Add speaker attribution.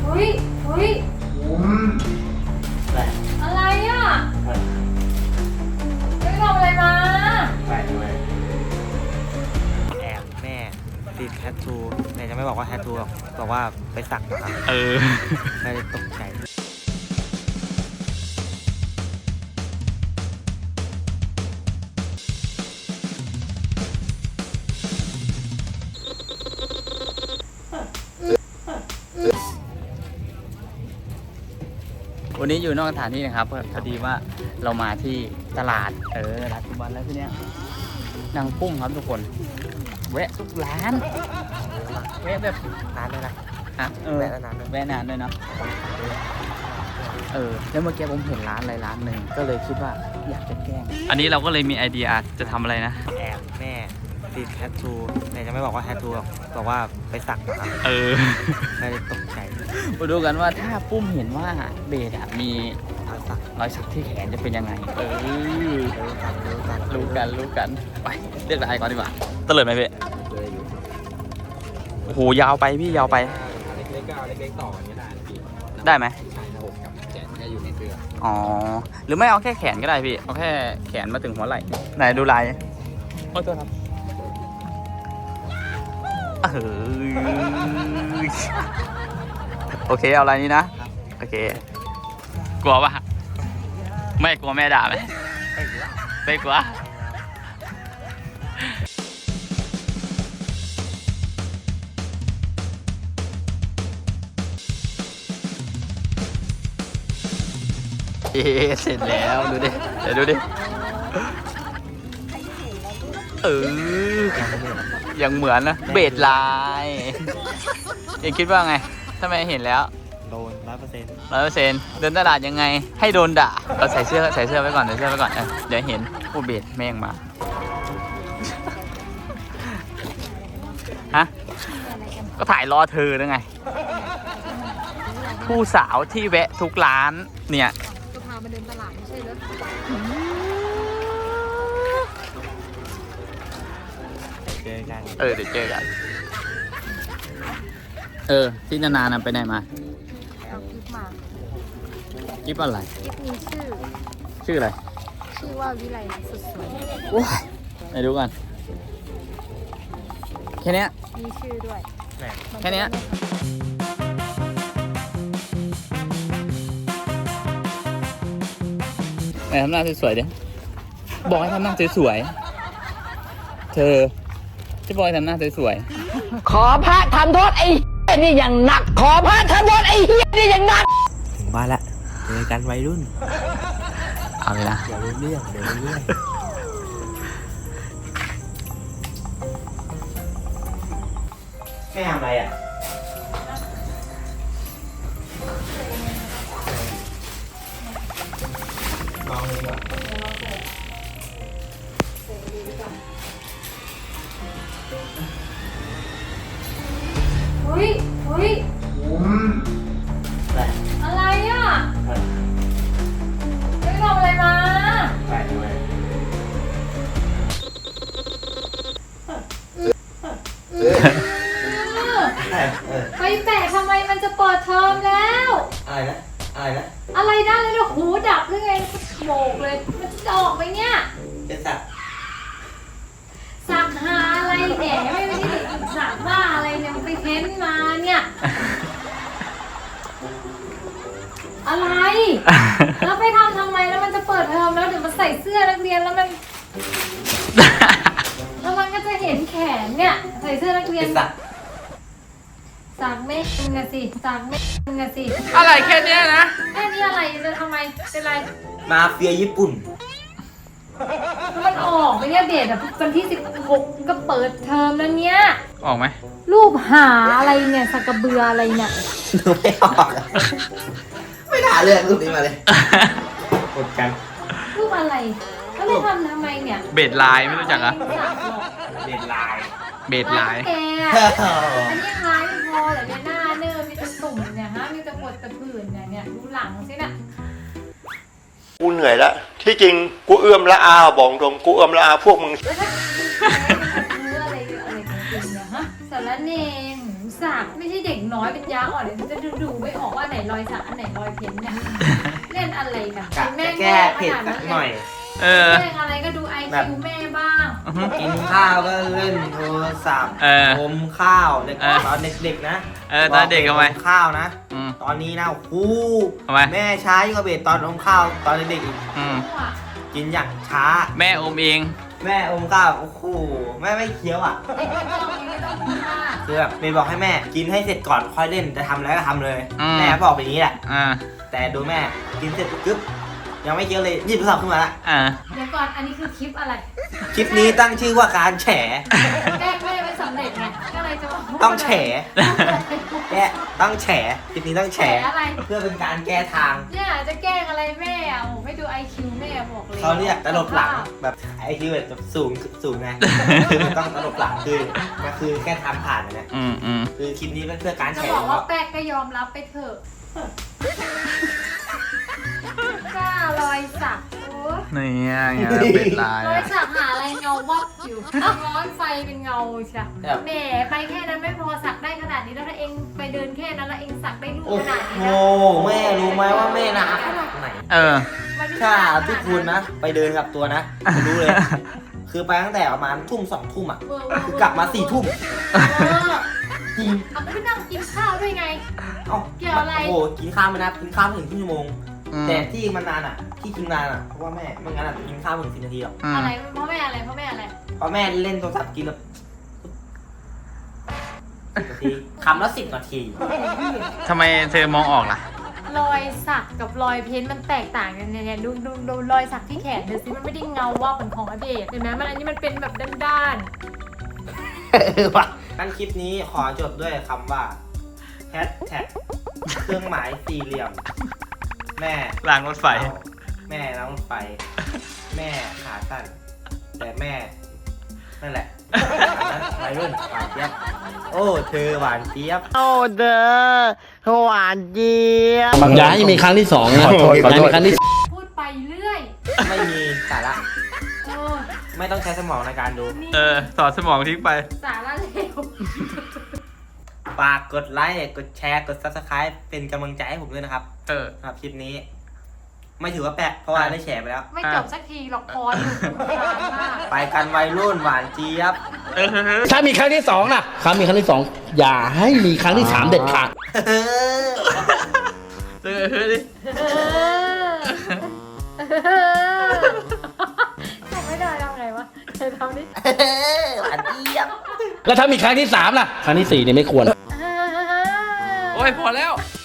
Speaker 1: ฮ้ยอะไรอ่ะไม่ทำอะไรมา
Speaker 2: แอบแม่ติดแทททูแต่จะไม่บอกว่าแทททูหรอกบอกว่าไปสักนะครับแม่เลยตกใจ
Speaker 3: วันนี้อยู่นอกสถานที่นะครับพอดีว่าเรามาที่ตลาดร้านทุกวันแล้วที่เนี้ยนางปุ้มครับทุกคนแวะทุกร้านแวะแบบ
Speaker 2: นานเลยนะ
Speaker 3: ฮะแวะนานด้วยเนาะแล้วเมื่อกี้ผมเห็นร้านอะไรร้านหนึ่งก็เลยคิดว่าอยากจะแกล้งอันนี้เราก็เลยมีไอเดียจะทำอะไรนะ
Speaker 2: แอบแม่ติดแทททูแต่จะไม่บอกว่าแทททูหรอกบอกว่าไปสักนะครับแม่เลยตกใจ
Speaker 3: มาดูกันว่าถ้าปุ้มเห็นว่าเบสมีรอยสักที่แขนจะเป็นยังไงรู้กันไปเรียกอะไรก่อนดีกว่าเตลิดไหมพี่โอ้โหยาวไปพี่ยาวไป
Speaker 4: เล็กๆต่อกันก็ได้พี่
Speaker 3: ได้ไหม
Speaker 4: ใช่ระบบกับแขนจะอยู่ในเสื้อ
Speaker 3: อ๋อหรือไม่เอาแค่แขนก็ได้พี่เอาแค่แขนมาถึงหัวไหล่ไหนดูลายโอ้ตัวครับโอเคเอาอะไรนี้นะโอเคกลัวปะไม่กลัวแม่ด่าไหมไม่กลัวเสร็จแล้วดูดิเดี๋ยวดูดิยังเหมือนนะเบสลายยังคิดว่าไงถ้าไม่เห็นแล้ว
Speaker 2: โดน100%
Speaker 3: เดินตลาดยังไงให้โดนด่าเราใส่เสื้อไว้ก่อนเดี๋ยวเห็นผู้เบสแม่งมาฮะก็ถ่ายรอเธอแล้วไงผู้สาวที่แวะทุกร้านเนี่ย
Speaker 1: จะพามาเดินตลาดไม่ใช่เหรอ
Speaker 2: เจอกัน
Speaker 3: เดี๋ยวเจอกันที่นานๆไปไหนมา
Speaker 1: เอาคลิปมา
Speaker 3: คลิปอะไร
Speaker 1: คลิปนี้
Speaker 3: ชื่ออะไร
Speaker 1: ชื่อว่าวิไลสุดสวย
Speaker 3: ไหนดูกันแค่นี้
Speaker 1: มีชื่อด้วย
Speaker 3: แค่นี้ไหนทำหน้าสวยๆดิบอกให้ทำหน้าสวยๆเธอจะบอกให้ทำหน้าสวย
Speaker 5: ขอพระทำโทษไอ้นี่อย่างหนักขอพระทำโทษไอ้เหี้ยนี่อย่างหนัก
Speaker 2: ถึงบ้านละเจอกันวัยรุ่น
Speaker 3: เอาเลยนะ
Speaker 2: เดี๋ยวเรื่องแม่ทำอะไรอ่ะลองเลยก่อน
Speaker 1: เฮ้ยอะไรอ่ะไม่ทำอะไรมาไปแปะทำไมมันจะเปิดเทอมแล้ว
Speaker 2: อะไรนะ
Speaker 1: อะไรได้เลยเนี่ยหูดับหรือไงโบกเลยมันจะออกไปเนี่ย
Speaker 2: จะ
Speaker 1: สักหาอะไรแหมไม่ได้สักว่าอะไรเนี่ยมันไปเพ้นมาเนี่ยอะไรแล้วไปทำไมแล้วมันจะเปิดเทอมแล้วเดี๋ยวมันใส่เสื้อนักเรียนแล้วมันก็จะเห็นแขนเนี่ยใส่เสื้อนักเรียนสักไม่งะสิสักไม่งะสิ
Speaker 3: อะไรแค่นี้นะ
Speaker 1: แค่นี้อะไรจะทำไมเป็นไร
Speaker 2: มาเฟียญี่ปุ่น
Speaker 1: มันออกไปเนี่ยเดทวันที่16ก็เปิดเทอมแล้วเนี่ย
Speaker 3: ออกไหม
Speaker 1: รูปหาอะไรเนี่ยสักกระเบืออะไรเนี่ย
Speaker 2: ดูไม่ออกไม่น่าเลือกรูปนี้มาเลยกดกัน
Speaker 1: รูปอะไรก็เลยทำไมเนี่ย
Speaker 3: เบสลายไม่รู้จักอ่ะ
Speaker 2: เบสลาย
Speaker 3: แก
Speaker 1: อันนี้ลายไม่พอแต่เนี่ยหน้าเนื้อมีแต่ตุ่มเนี่ยฮะมีแต่ปวดแต่ผื่นเนี่ยดูหลังสิน่ะ
Speaker 6: กูเหนื่อยแล้วที่จริงกูเอื้อมละอาบอกตรงกูเอื้อมละอาพวกมึง
Speaker 1: อะไรจริงๆเนี่ยฮะสารเนงหมูสับสักไม่ใช่เด็กน้อยเป็นยาอ่อนเลยจะดูไม่ออกว่าไหนรอยสักอันไหนรอยเพ้นเนี่ยเล่นอะไรกัน
Speaker 2: กะ
Speaker 1: แม่
Speaker 2: แก้เผ็ดสักหน่อย
Speaker 3: เออ
Speaker 1: เล่นอะไรก็ดูไอคิวแม่บ้าง
Speaker 2: กินข้าวก็เล่นโทรศัพท์
Speaker 3: เออ
Speaker 2: อมข้าวเด็ก
Speaker 3: เออ
Speaker 2: ตอนเด็กๆนะ
Speaker 3: ตอนเด็กทำไม
Speaker 2: อข้าวนะ
Speaker 3: อืม
Speaker 2: ตอนนี้นะโอ้โห
Speaker 3: ทำไม
Speaker 2: แม่ใช้ก็เบ็ดตอนอมข้าวตอนเด็กๆอีก
Speaker 3: อืม
Speaker 2: กินอย่างช้า
Speaker 3: แม่อมเอง
Speaker 2: แม่อมข้าวโอ้โหแม่ไม่เคี้ยวอ่ะ
Speaker 1: ไม่ต้องพูดมาก
Speaker 2: คือแบบเมย์บอกให้แม่กินให้เสร็จก่อนค่อยเล่นจะทำอะไรก็ทำเลย
Speaker 3: อืม
Speaker 2: แม่บอกแบบนี้แหละ
Speaker 3: อ่า
Speaker 2: แต่ดูแม่กินเสร็จกึ๊บยังไม่เคี้ยวเลยหยิบโทรศัพท์ขึ้นมาละ
Speaker 3: อ่า
Speaker 1: เดี๋ยวก่อนอันนี้คือคลิปอะไร
Speaker 2: คลิปนี้ตั้งชื่อว่าการแฉ
Speaker 1: แกล้งแม่ไม่สำเร็จไงก็เลยจะมาพูด
Speaker 2: ต้องแฉแกต้องแฉคลิปนี้ต้อง
Speaker 1: แฉ
Speaker 2: แฉ
Speaker 1: อะไร
Speaker 2: เพื่อเป็นการแก้ทาง
Speaker 1: เนี่ยจะแกล้งอะไรแม่อ่ะโอ้ให้ดูไอคิวแม่บอกเลย
Speaker 2: เขาเรียกตลบหลังแบบไอ้ที่แบบสูงไง ต้องตลบหลังคือมันคือแค่ทางผ่านนะเนี่ย
Speaker 3: อืมอืม
Speaker 2: คือคลิปนี้เป็นเพื่อการ
Speaker 1: จะ
Speaker 2: แฉ
Speaker 1: บอกว่าแป๊กก็ยอมรับไปเถอะกล้ารอยสักโอ้ย
Speaker 3: นี่ไงเป็นลาย
Speaker 1: รอย
Speaker 3: อ่ะ
Speaker 1: สักหาอะไรเงาวับอยู่ร้อนไฟเป็นเงาใช่แหมไปแค่นั้นไม่พอสักได้ขนาดนี้แล้วถ้าเองไปเดินแค่นั้นแล้วเองสักได้รูป
Speaker 2: โอ้
Speaker 1: ขนาด
Speaker 2: โห
Speaker 1: นี้นะ
Speaker 2: แม่รู้ไหมว่าแม่นะขนาดไหน
Speaker 3: เออ
Speaker 1: มันไม่
Speaker 2: ถ้า
Speaker 1: ขนาด
Speaker 2: ที่คุณนะ ไปเดินกับตัวนะคุณรู้เลย คือไปตั้งแต่ประมาณทุ่ม2 ทุ่มอ่ะ
Speaker 1: เวอร์
Speaker 2: คือกลับมา4 ทุ่ม จริง
Speaker 1: เอาไม่นั่งกินข้าวด้วยไง
Speaker 2: เอ้า
Speaker 1: เกี่ยวอะไร
Speaker 2: โอ้โหกินข้าวไม่นับกินข้าวไม่ถึงครึ่งชั่วโมง
Speaker 3: อืม
Speaker 2: แต่ที่มันนานอ่ะ ที่กินนานอ่ะ เพราะว่าแม่ไม่งั้นอ่ะกินข้าวไม่ถึง10 นาทีหรอก
Speaker 3: อืม
Speaker 1: อะไรเพราะแม่อะไรเพราะแม่อะไร
Speaker 2: เพราะแม่เล่นโทรศัพท์กินแบบ10 นาทีคำละ10 นาที
Speaker 3: ทำไมเธอมองออกล่ะ
Speaker 1: รอยสักกับรอยเพ้นท์มันแตกต่างกันเนี่ยดูรอยสักที่แขนดูสิมันไม่ได้เงาว่าเป็นของอเดชเห็นไหมมันอันนี้มันเป็นแบบด้าน
Speaker 2: ว่ะงั้นคลิปนี้ขอจบด้วยคำว่าแฮชแท็กเครื่องหมายสี่เหลี่ยม แม่
Speaker 3: รางรถไฟ
Speaker 2: แม่ล้างรถไฟ แม่ขาสั้นแต่แม่นั่นแหละวัยรุ่นหวานเจี๊ยบโอ้เธอหวานเจี๊ยบ
Speaker 5: โอ้เด้อหวานเจี๊ยบ
Speaker 7: อย่าให้มีครั้งที่สองนะอย่าให้มีครั้งที่
Speaker 1: ๆพูดไปเรื่อย
Speaker 2: ไม่มีสาระ
Speaker 1: เออ
Speaker 2: ไม่ต้องใช้สมองในการดู
Speaker 1: นี่
Speaker 3: เออสอดสมองทิ้งไป
Speaker 1: สาระเลว
Speaker 2: ฝากกดไลค์กดแชร์กด Subscribe เป็นกำลังใจให้ผมด้วยนะครับ
Speaker 3: เออ
Speaker 2: สำหรับคลิปนี้ ไม่ถือว่าแปลกเพราะว่าได้แชร์ไปแล้ว
Speaker 1: ไม่จบสักทีหรอกพออยู่นานมาก
Speaker 2: ไปกันวัยรุ่นหวานเจี๊ยบ
Speaker 3: เออ
Speaker 7: ถ้ามีครั้งที่สองนะครั้งมีครั้งที่สองอย่าให้มีครั้งที่สามเด็ดขาด
Speaker 3: เออเฮ้ยดิ
Speaker 1: ทำไม่ได้ทำไงวะเธอทำดิ
Speaker 2: หวานเจี๊ยบ
Speaker 7: แล้วถ้ามีครั้งที่สามล่ะ ครั้งที่สี่เนี่ยไม่ควร
Speaker 3: โอ้ยพอแล้ว
Speaker 1: เ